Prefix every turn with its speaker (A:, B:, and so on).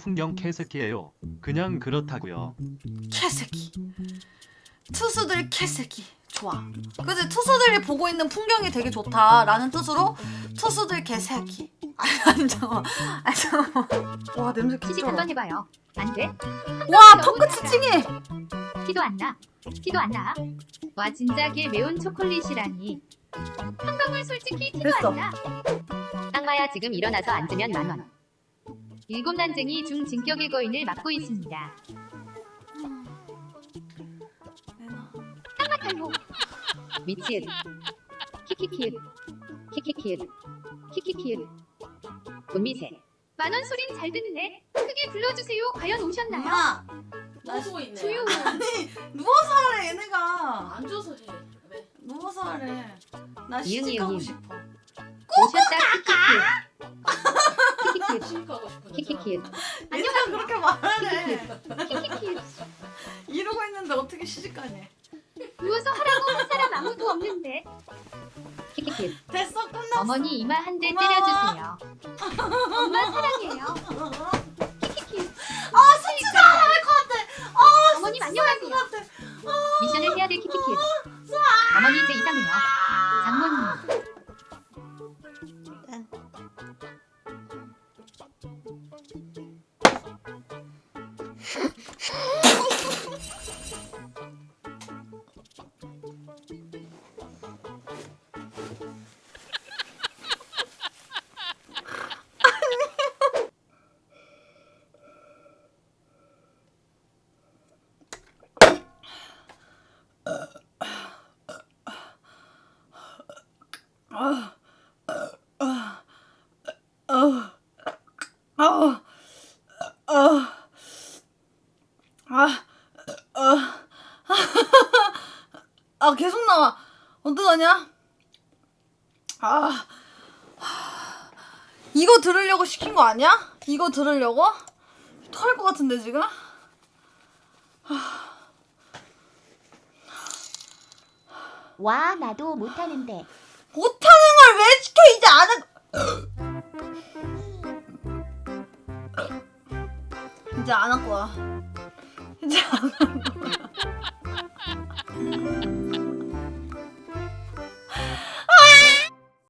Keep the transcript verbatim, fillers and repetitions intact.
A: 풍경 개새끼예요. 그냥 그렇다고요.
B: 개새끼. 투수들 개새끼. 좋아. 그치? 투수들이 보고 있는 풍경이 되게 좋다라는 뜻으로 투수들 개새끼. 아니, 아니 잠깐만. 아니 잠깐만. 와 냄새
C: 시식
B: 개쩔어.
C: 한번 해봐요. 안 돼?
B: 와 턱끝 치팅해.
C: 티도 안 나. 티도 안 나. 와 진작에 매운 초콜릿이라니. 한 방울 솔직히 티도
B: 됐어.
C: 안 나. 땅마야 지금 일어나서 앉으면 만 원. 일곱 난쟁이 중 진격의 거인을 맡고 있습니다. 땅마 탈모. 미치읓. 키키키읓. 키키키읓. 키키키읓. 문미세. 만원 소린 잘 듣네. 크게 불러주세요. 과연 오셨나요?
B: 엄마.
D: 나 쓰고 있네.
C: 조용.
B: 아니 누워서 하래 얘네가.
D: 앉아서 해. 왜?
B: 누워서 하래. 나
C: 이응이
B: 시집 가고
C: 형님.
B: 싶어.
C: 오셨다. 키키키읓. 키키키읓.
D: 시집가고 싶은
C: 키키키읓.
B: 얘네가 그렇게 말하래.
C: 키키키읓.
B: 이러고 있는데 어떻게 시집 가니?
C: 누워서 하라고 한 사람 아무도 없는데. 키키키읓.
B: 됐어 끝났어.
C: 어머니 이마 한 대
B: 고마워.
C: 때려주세요. 엄마 사랑해요. 키키키읓.
B: 아 진짜 잘할 것 같아. 아
C: 어머님
B: 진짜 잘할 것
C: 안녕하세요.
B: 같아.
C: 미션을 해야 될 키키키읓. 어머니 이제 이상해요. 장모님.
B: 아 계속 나와. 어떡하냐? 아 이거 들으려고 시킨 거 아니야? 이거 들으려고? 토할 것 같은데 지금?
E: 와 나도 못하는데
B: 못하는 걸 왜 시켜? 이제 안 할... 이제 안 할 거야. 이제 안 할 거야.